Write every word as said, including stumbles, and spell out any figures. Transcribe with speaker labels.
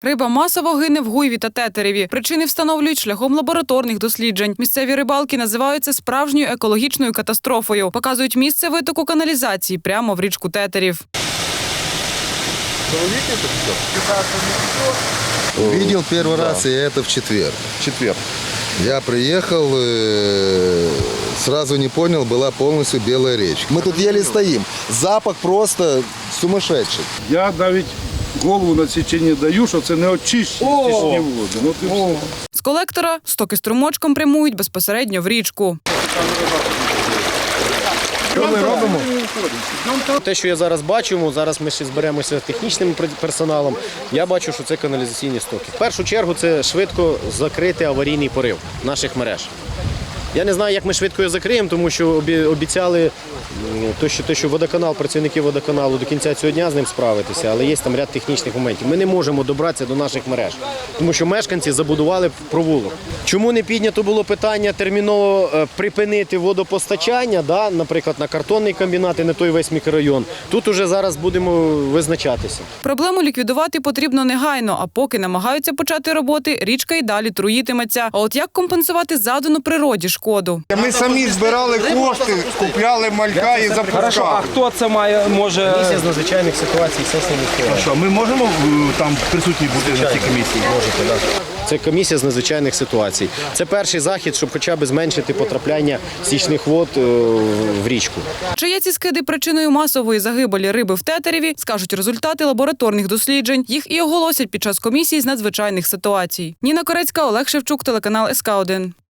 Speaker 1: Риба масово гине в Гуйві та Тетереві. Причини встановлюють шляхом лабораторних досліджень. Місцеві рибалки називають це справжньою екологічною катастрофою. Показують місце витоку каналізації прямо в річку Тетерів.
Speaker 2: Видел первый да. раз, и это в четверг.
Speaker 3: Четверг.
Speaker 2: Я приехал, сразу не понял, была полностью белая речка. Мы тут еле стоим. Запах просто сумасшедший.
Speaker 3: Я навіть голову на січення даю, що це не очищені води. Ну, ти...
Speaker 1: З колектора стоки струмочком прямують безпосередньо в річку.
Speaker 3: Що ми робимо?
Speaker 4: Те, що я зараз бачу, зараз ми ще зберемося з технічним персоналом, я бачу, що це каналізаційні стоки. В першу чергу це швидко закрити аварійний порив наших мереж. Я не знаю, як ми швидко його закриємо, тому що обіцяли, те, що, те, що водоканал, працівники водоканалу до кінця цього дня з ним справитися, але є там ряд технічних моментів. Ми не можемо добратися до наших мереж, тому що мешканці забудували провулок. Чому не піднято було питання терміново припинити водопостачання, да, наприклад, на картонний комбінат і на той весь мікрорайон? Тут уже зараз будемо визначатися.
Speaker 1: Проблему ліквідувати потрібно негайно, а поки намагаються почати роботи, річка й далі труїтиметься. А от як компенсувати задану природі шкоду?
Speaker 5: Ми самі збирали кошти, купляли малька і запускали.
Speaker 6: А хто це має, може...
Speaker 4: Комісія з надзвичайних ситуацій, сесії міської.
Speaker 6: Що, ми можемо там присутні бути на цій комісії?
Speaker 4: Можете, так. Це комісія з надзвичайних ситуацій. Це перший захід, щоб хоча б зменшити потрапляння стічних вод в річку.
Speaker 1: Чи є ці скиди причиною масової загибелі риби в Тетереві, скажуть результати лабораторних досліджень. Їх і оголосять під час комісії з надзвичайних ситуацій. Ніна Корецька, Олег Шевчук, телеканал ес ка один.